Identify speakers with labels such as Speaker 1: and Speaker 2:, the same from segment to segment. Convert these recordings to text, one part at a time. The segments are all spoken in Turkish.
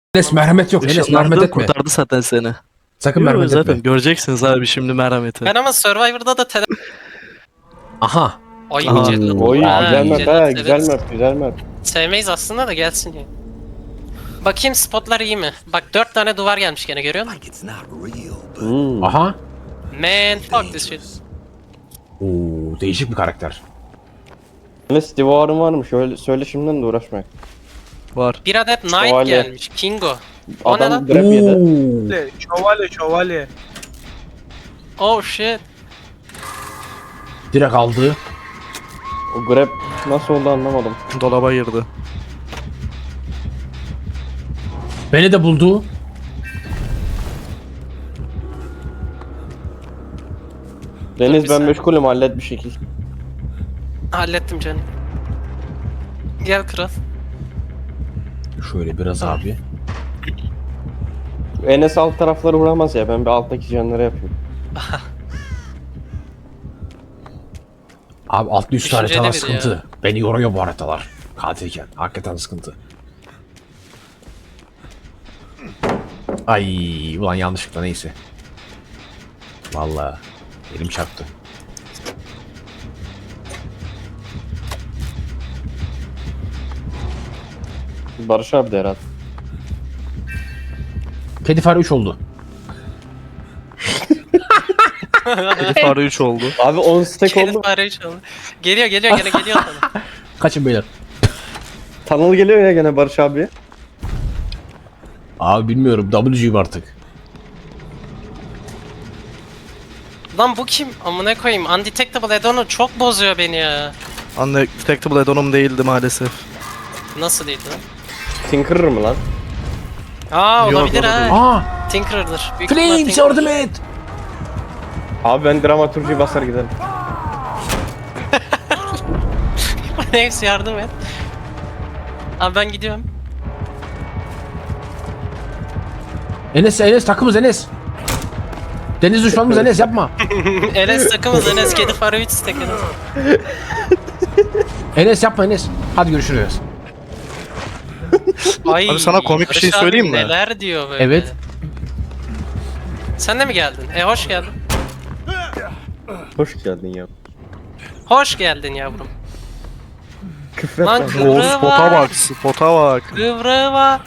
Speaker 1: Enes merhamet yok. Enes
Speaker 2: Işınlandı,
Speaker 1: merhamet etme.
Speaker 2: kurtardı zaten seni.
Speaker 1: Sakın
Speaker 2: Yo,
Speaker 1: merhamet
Speaker 2: zaten
Speaker 1: etme.
Speaker 2: göreceksiniz abi şimdi merhameti.
Speaker 3: Ben ama Survivor'da da
Speaker 1: Aha.
Speaker 3: Ay
Speaker 2: Aha.
Speaker 3: cellat.
Speaker 4: Oy
Speaker 3: Ha,
Speaker 4: güzel map
Speaker 3: cellat
Speaker 4: ha, güzel
Speaker 3: severiz.
Speaker 4: map, güzel map.
Speaker 3: Sevmeyiz aslında da gelsin ya. Bakayım spotlar iyi mi? Bak 4 tane duvar gelmiş gene görüyor musun?
Speaker 1: Aha.
Speaker 3: Man fuck this shit.
Speaker 1: Oo, değişik bir karakter.
Speaker 4: Enes divarın var mı? Şöyle söyle şimdiden de uğraşmayın.
Speaker 2: Var.
Speaker 3: Bir adet Knight
Speaker 4: Şövalye.
Speaker 3: gelmiş. Kingo. O ne
Speaker 4: Adam
Speaker 3: lan?
Speaker 4: grab yedi.
Speaker 1: Oo.
Speaker 5: Şövalye.
Speaker 3: Oh shit.
Speaker 1: Direkt aldı.
Speaker 4: O grab nasıl oldu anlamadım.
Speaker 2: Dolaba girdi.
Speaker 1: Beni de buldu.
Speaker 4: Deniz
Speaker 3: bir
Speaker 4: ben
Speaker 3: saniye.
Speaker 4: meşgulüm, hallet bir şekil.
Speaker 3: Hallettim canım. Gel kral.
Speaker 1: Şöyle biraz abi.
Speaker 4: Enes alt tarafları vuramaz ya, ben bir alttaki canları yapayım.
Speaker 1: Abi altlı üst
Speaker 3: Düşünceli
Speaker 1: haritalar
Speaker 3: biri
Speaker 1: sıkıntı.
Speaker 3: ya.
Speaker 1: Beni yoruyor bu haritalar. Katilken. Hakikaten sıkıntı. Ay ulan yanlışlıkla neyse. Vallahi elim çarptı.
Speaker 4: Barış abi de herhalde.
Speaker 1: Kedi fare 3 oldu.
Speaker 2: Kedi fare 3 oldu.
Speaker 4: Abi 10 stack
Speaker 3: Kedi
Speaker 4: oldu.
Speaker 3: fare çaldı. Geliyor geliyor gene geliyor sana.
Speaker 1: Kaçın beyler.
Speaker 4: Tunnel geliyor ya gene Barış abi.
Speaker 1: Abi bilmiyorum. W'yum artık.
Speaker 3: Lan bu kim? Amına koyayım. Undetectable add-on'u çok bozuyor beni ya.
Speaker 2: Undetectable add-on'um değildi maalesef.
Speaker 3: Nasıl değildi lan?
Speaker 4: Tinkerer mı lan?
Speaker 3: Aa
Speaker 2: Yok,
Speaker 3: olabilir
Speaker 2: o da
Speaker 3: ha.
Speaker 2: değil.
Speaker 1: Aa!
Speaker 3: Tinkerer'dır. Büyük ihtimal
Speaker 1: Flames
Speaker 3: Tinkerer.
Speaker 1: yardım et!
Speaker 4: Abi ben dramaturji basar giderim.
Speaker 3: Flames yardım et. Abi ben gidiyorum.
Speaker 1: Enes takımız Enes. Deniz düşmanımız Enes yapma.
Speaker 3: Enes takımız Enes kedi fare 3 stack Enes.
Speaker 1: Enes yapma Enes. Hadi görüşürüz.
Speaker 3: Ay,
Speaker 2: Abi sana komik bir şey
Speaker 3: Barış abi
Speaker 2: söyleyeyim mi?
Speaker 3: Neler diyor böyle.
Speaker 1: Evet.
Speaker 3: Sen de mi geldin? Hoş geldin.
Speaker 4: Hoş geldin ya.
Speaker 3: Hoş geldin yavrum.
Speaker 4: Küfret
Speaker 3: Lan
Speaker 4: lan.
Speaker 2: O
Speaker 3: kıvrığı
Speaker 2: spota
Speaker 3: var.
Speaker 2: bak, spota bak.
Speaker 3: Kıvrığı var.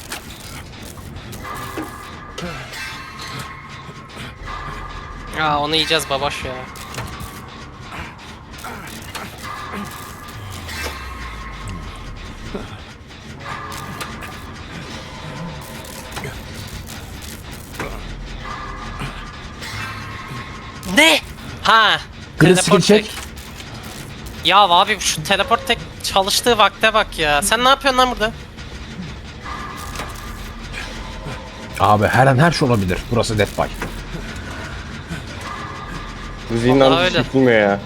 Speaker 3: Aa onu yiyeceğiz babaş ya. Ne? Ha.
Speaker 1: Green
Speaker 3: teleport
Speaker 1: skill check.
Speaker 3: tek. Ya abi şu teleport tek çalıştığı vakte bak ya. Sen ne yapıyorsun lan burada?
Speaker 1: Abi her an her şey olabilir. Burası Death by.
Speaker 4: Müziğin
Speaker 3: Vallahi
Speaker 4: anısı
Speaker 3: öyle.
Speaker 4: çıkmıyor ya.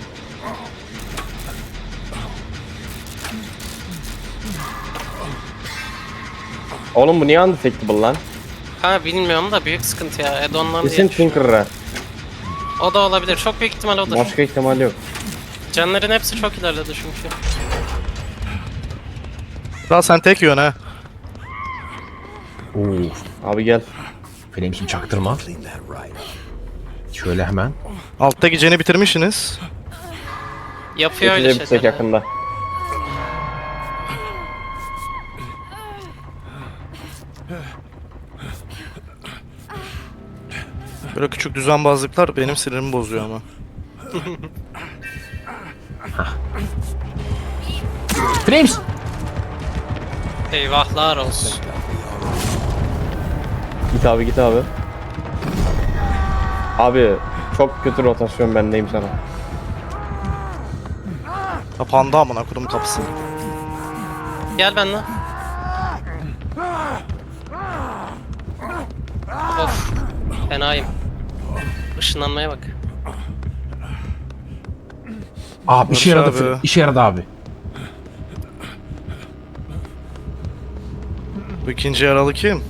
Speaker 4: Oğlum bu niye undetectable lan?
Speaker 3: Ha bilmiyorum da büyük sıkıntı ya. Add-on'lar
Speaker 4: Kesin
Speaker 3: diye.
Speaker 4: Tinkerer'a.
Speaker 3: O da olabilir. Çok büyük ihtimal odur.
Speaker 4: Başka ihtimal yok.
Speaker 3: Canların hepsi çok ilerledi çünkü.
Speaker 2: Daha sen tek yiyorsun ha.
Speaker 1: Oo.
Speaker 4: Abi gel.
Speaker 1: Flames'im çaktırma. Şöyle hemen.
Speaker 2: Alttaki ceni bitirmişsiniz.
Speaker 3: Yapıyor öyle
Speaker 4: Geçecek
Speaker 3: şeyler.
Speaker 4: yakında.
Speaker 2: Böyle küçük düzenbazlıklar benim sinirimi bozuyor ama.
Speaker 1: Flames!
Speaker 3: Eyvahlar olsun.
Speaker 4: Git abi git abi. Abi çok kötü rotasyon, bendeyim sana.
Speaker 2: Kapandı amına kurum kapısı.
Speaker 3: Gel benimle. Of. Fenayım. Işınlanmaya bak.
Speaker 1: Abi işe
Speaker 2: Barış
Speaker 1: yaradı.
Speaker 2: abi.
Speaker 1: İşe yaradı abi.
Speaker 2: Bu ikinci yaralı kim?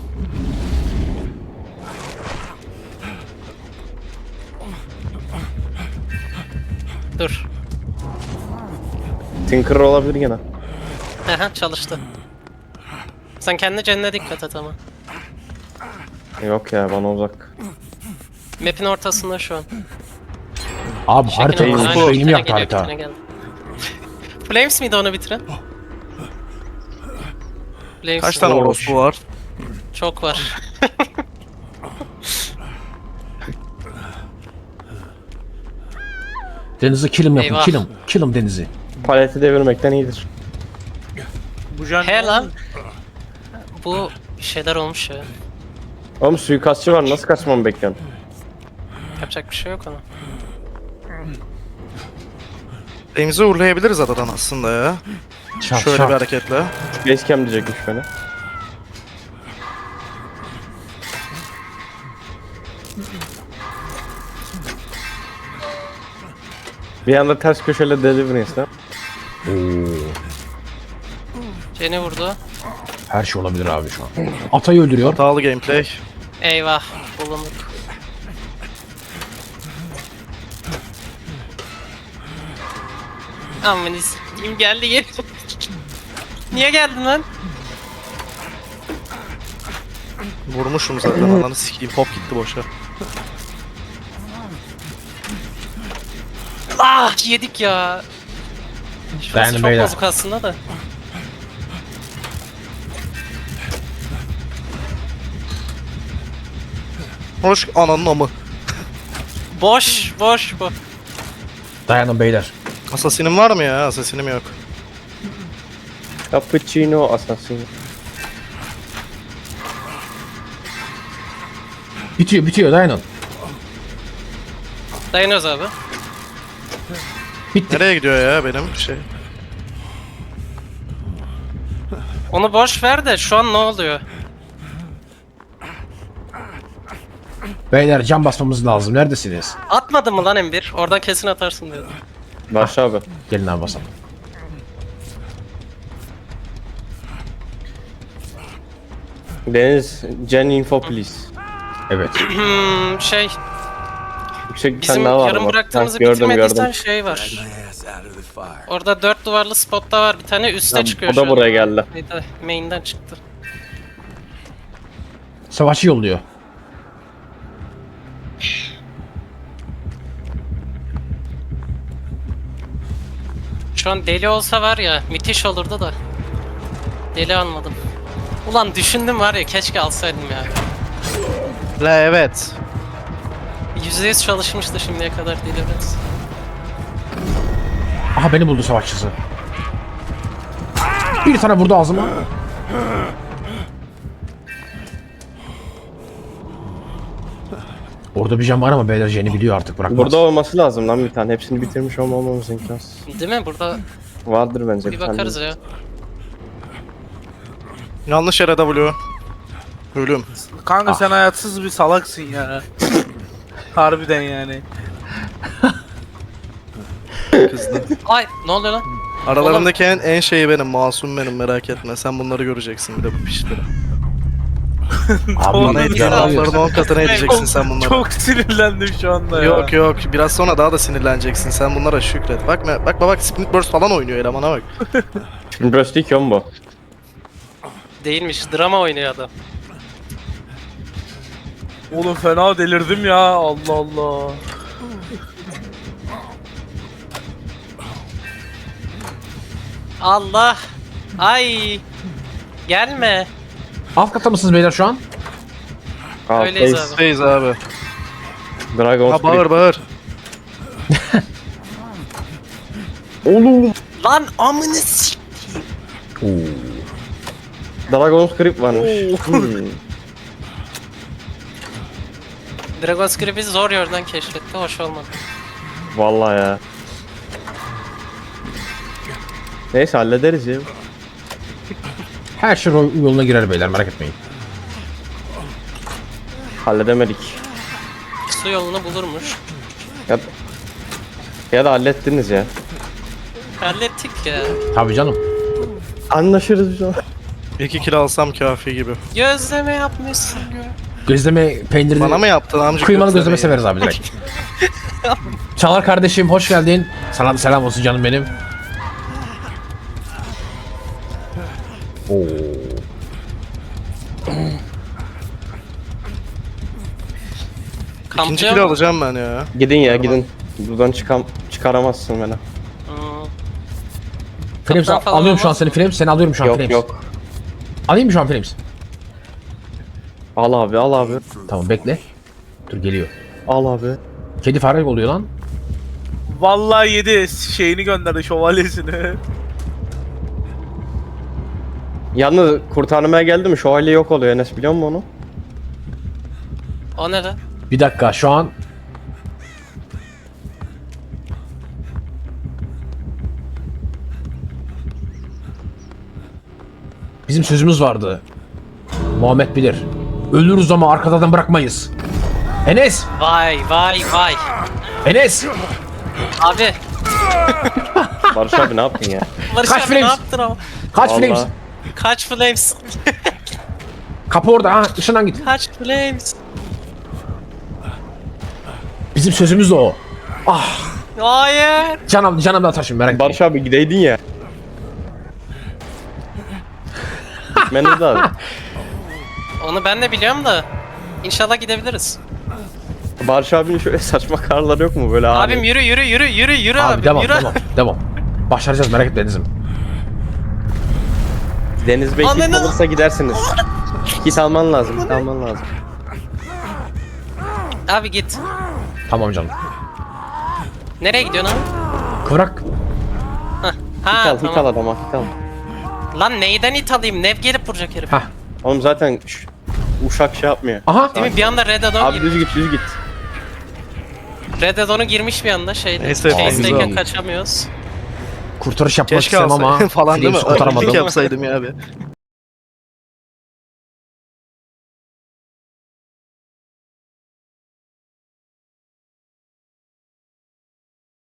Speaker 3: Dur.
Speaker 4: Tinkerer olabilir gene.
Speaker 3: Aha çalıştı. Sen kendi canına dikkat et ama.
Speaker 4: Yok ya bana uzak.
Speaker 3: Map'in ortasında şu an.
Speaker 1: Abi harita
Speaker 3: Şekil-
Speaker 1: olmuş.
Speaker 3: Aynen,
Speaker 1: Beynim
Speaker 3: bitene
Speaker 1: yaktı
Speaker 3: geliyor,
Speaker 1: harita.
Speaker 3: bitene geldi. Flames miydi onu bitiren? Flames
Speaker 2: Kaç tane
Speaker 4: Olmuş.
Speaker 2: orospu var?
Speaker 3: Çok var.
Speaker 1: Deniz'i kilim yapın.
Speaker 3: Eyvah.
Speaker 1: Kilim. Kilim Deniz'i.
Speaker 4: Paleti devirmekten iyidir.
Speaker 5: Bu jan
Speaker 3: He lan. Bu şeyler olmuş ya.
Speaker 4: Oğlum suikastçı var nasıl kaçmamı bekliyorsun?
Speaker 3: Yapacak bir şey yok ona.
Speaker 2: Remzi uğurlayabiliriz adadan aslında ya.
Speaker 1: Şart
Speaker 2: Şöyle
Speaker 1: şart.
Speaker 2: bir hareketle.
Speaker 4: Basecamp diyecekmiş beni. Bir anda ters köşeyle Deliverance'da.
Speaker 1: Oo,
Speaker 3: Jenny vurdu.
Speaker 1: her şey olabilir abi şu an. Atayı öldürüyor.
Speaker 2: Hatalı gameplay.
Speaker 3: Eyvah. Bulunduk. Aman s**eyim geldi geri. Niye geldin lan?
Speaker 2: Vurmuşum zaten ananı sikeyim. Pop gitti boşa.
Speaker 3: Ah yedik ya. Şurası
Speaker 1: Dayanın
Speaker 3: çok
Speaker 1: beyler.
Speaker 3: bozuk aslında da.
Speaker 2: Hoş ananın amı.
Speaker 3: Boş boş bu.
Speaker 1: Dayanın beyler.
Speaker 2: Asasinim var mı ya? Asasinim yok.
Speaker 4: Cappuccino Assassin.
Speaker 1: Bitiyor bitiyor dayanın.
Speaker 3: Dayanıyoruz abi.
Speaker 1: Bitti.
Speaker 2: Nereye gidiyor ya benim şey?
Speaker 3: Onu boş ver de şu an ne oluyor?
Speaker 1: Beyler cam basmamız lazım. Neredesiniz?
Speaker 3: Atmadın mı lan M1? Oradan kesin atarsın diyordum.
Speaker 4: Başla abi.
Speaker 1: Gelin abi basalım.
Speaker 4: Deniz, Gen Info please.
Speaker 1: Evet.
Speaker 3: Şey
Speaker 4: Yüksek bir
Speaker 3: bizim
Speaker 4: tane daha var
Speaker 3: yarım
Speaker 4: bak.
Speaker 3: bıraktığımızı
Speaker 4: Ha, gördüm
Speaker 3: bitirmediysen
Speaker 4: gördüm.
Speaker 3: şey var. Orada 4 duvarlı spotta var bir tane üste çıkıyor
Speaker 4: O
Speaker 3: şu
Speaker 4: da
Speaker 3: an.
Speaker 4: buraya geldi.
Speaker 3: Neydi? Main'den çıktı.
Speaker 1: Savaşçı yolluyor.
Speaker 3: Şu an deli olsa var ya müthiş olurdu da. Deli almadım. Ulan düşündüm var ya keşke alsaydım ya.
Speaker 2: La evet.
Speaker 3: %100 çalışmıştı şimdiye kadar deli evet.
Speaker 1: Aha beni buldu savaşçısı. Bir tane vurdu ağzıma. Orada bir cam var ama beyler Jenny biliyor artık bırakmaz.
Speaker 4: Burada olması lazım lan bir tane. Hepsini bitirmiş olmamamız imkansız.
Speaker 3: Değil mi? Burada
Speaker 4: Vardır bence
Speaker 3: bir
Speaker 4: tane.
Speaker 3: bakarız ya.
Speaker 2: Yanlış yere W. Ölüm.
Speaker 5: Kanka sen hayatsız bir salaksın ya. Harbiden yani.
Speaker 2: Kızdı.
Speaker 3: Ay ne oluyor lan?
Speaker 2: Aralarındaki en şeyi benim. Masum benim merak etme. Sen bunları göreceksin bir de bu pişleri.
Speaker 1: Abi
Speaker 2: Bana ettiğin
Speaker 1: ya,
Speaker 2: lafların 10 katına edeceksin sen bunları.
Speaker 5: Çok sinirlendim şu anda ya.
Speaker 2: Yok yok biraz sonra daha da sinirleneceksin sen bunlara şükret. Bak Split Burst falan oynuyor elemana bak.
Speaker 4: Şimdi burası değil ki oğlum bu.
Speaker 3: Değilmiş. Drama oynuyor adam.
Speaker 5: Oğlum fena delirdim ya. Allah Allah.
Speaker 3: Allah. Ay. Gelme.
Speaker 1: alt kata mısınız beyler şu an?
Speaker 3: Öyleyiz
Speaker 4: Face,
Speaker 3: abi.
Speaker 2: Reis abi.
Speaker 4: Dragon
Speaker 2: Ha bağır bağır.
Speaker 4: Oğlum.
Speaker 3: Lan amını s**.
Speaker 4: Dragon Script varmış.
Speaker 3: Dragon Script'i zor yerden keşfetti. Hoş olmadı.
Speaker 4: Vallahi ya. Neyse hallederiz ya.
Speaker 1: Her şey yoluna girer beyler merak etmeyin.
Speaker 4: Halledemedik.
Speaker 3: Su yolunu bulurmuş.
Speaker 4: Ya, ya da hallettiniz ya.
Speaker 3: Hallettik ya.
Speaker 1: Tabii canım.
Speaker 4: Anlaşırız biz o.
Speaker 2: 2 kilo alsam kafi gibi.
Speaker 3: Gözleme yapmışsın ya.
Speaker 1: Gözleme peynirini...
Speaker 2: Bana mı yaptın amca?
Speaker 1: Kıymalı gözleme severiz abi direkt. Çalar kardeşim hoş geldin. Sana da selam olsun canım benim. Oo.
Speaker 2: İkinci
Speaker 3: Kamplıyor
Speaker 2: kilo
Speaker 3: mu?
Speaker 2: alacağım ben ya.
Speaker 4: Gidin ya gidin. Buradan çıkaramazsın beni.
Speaker 1: Frames
Speaker 3: Kaptan falan
Speaker 1: alıyorum şu an
Speaker 3: olmaz
Speaker 1: seni Frames. Seni alıyorum şu an
Speaker 4: Yok
Speaker 1: Frames.
Speaker 4: yok.
Speaker 1: Alayım mı şu an Frames?
Speaker 4: Al abi al abi.
Speaker 1: Tamam bekle. Dur geliyor.
Speaker 4: Al abi.
Speaker 1: Kedi fare oluyor lan.
Speaker 5: Vallahi yedi şeyini gönderdi şövalyesini.
Speaker 4: Yalnız kurtarmaya geldi mi şövalye yok oluyor Enes biliyor musun onu?
Speaker 3: O ne lan?
Speaker 1: Bir dakika şu an bizim sözümüz vardı. Muhammed bilir. Ölürüz ama arkadan bırakmayız. Enes!
Speaker 3: Vay vay vay.
Speaker 1: Enes!
Speaker 3: Abi.
Speaker 4: Barış abi ne yaptın ya?
Speaker 3: Barış
Speaker 1: Kaç
Speaker 3: abi ne
Speaker 1: frames?
Speaker 3: yaptın ama?
Speaker 1: Kaç
Speaker 4: Vallahi.
Speaker 1: Flames?
Speaker 3: Kaç flames?
Speaker 1: Kapı orada ha ışından git.
Speaker 3: Kaç flames?
Speaker 1: Bizim sözümüz de o.
Speaker 3: Hayır.
Speaker 1: Canım da taşın merak etme.
Speaker 4: Barış abi gideydin ya. Gitmeniz lazım.
Speaker 3: Onu ben de biliyorum da. İnşallah gidebiliriz.
Speaker 4: Barış abinin şöyle saçma karları yok mu böyle abi?
Speaker 3: Abim yürü yürü yürü yürü yürü
Speaker 1: Abi
Speaker 3: abi
Speaker 1: devam
Speaker 3: yürü.
Speaker 1: devam. Başaracağız merak etme Deniz'im.
Speaker 4: Deniz Bey kit
Speaker 3: Ananı-
Speaker 4: alırsa gidersiniz. Kit alman lazım, kit alman lazım.
Speaker 3: Abi git.
Speaker 1: Tamam canım.
Speaker 3: Nereye gidiyorsun abi?
Speaker 1: Kıvrak.
Speaker 3: Hah.
Speaker 4: Hit
Speaker 3: Ha
Speaker 4: al, hit al
Speaker 3: tamam.
Speaker 4: adama, hit al.
Speaker 3: Lan neyden it alayım? Nev gelip vuracak herif.
Speaker 1: Hah.
Speaker 4: Oğlum zaten uşak şey yapmıyor.
Speaker 1: Aha.
Speaker 3: Değil mi? Bir anda Red Dawn
Speaker 4: Abi düz git, düz git.
Speaker 3: Red Dawn'u girmiş bir anda şeyde.
Speaker 2: Neyse,
Speaker 3: Chase'deyken
Speaker 4: güzel.
Speaker 3: kaçamıyoruz.
Speaker 1: Kurtarış yapmak
Speaker 2: Keşke
Speaker 1: istemem ama
Speaker 2: alsaydım falan değil mi?
Speaker 1: Flames kurtaramadım.
Speaker 2: Öldük yapsaydım ya abi.